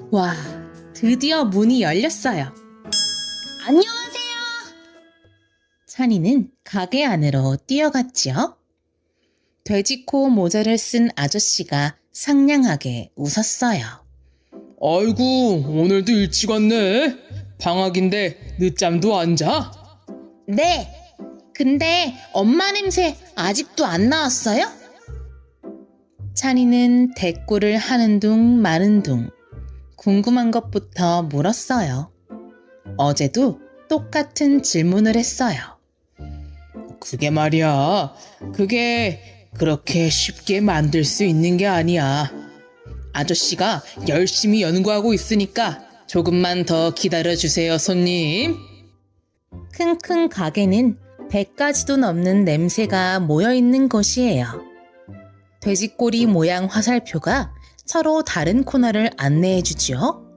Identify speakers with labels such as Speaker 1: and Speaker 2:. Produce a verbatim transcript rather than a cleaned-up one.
Speaker 1: 와, 드디어 문이 열렸어요. 안녕하세요. 찬이는 가게 안으로 뛰어갔지요. 돼지코 모자를 쓴 아저씨가 상냥하게 웃었어요.
Speaker 2: 아이고, 오늘도 일찍 왔네. 방학인데 늦잠도 안 자?
Speaker 1: 네, 근데 엄마 냄새 아직도 안 나왔어요? 찬이는 대꾸를 하는 둥 마는 둥 궁금한 것부터 물었어요. 어제도 똑같은 질문을 했어요.
Speaker 2: 그게 말이야. 그게 그렇게 쉽게 만들 수 있는 게 아니야. 아저씨가 열심히 연구하고 있으니까 조금만 더 기다려주세요, 손님.
Speaker 1: 킁킁 가게는 백 가지도 넘는 냄새가 모여있는 곳이에요. 돼지꼬리 모양 화살표가 서로 다른 코너를 안내해 주지요.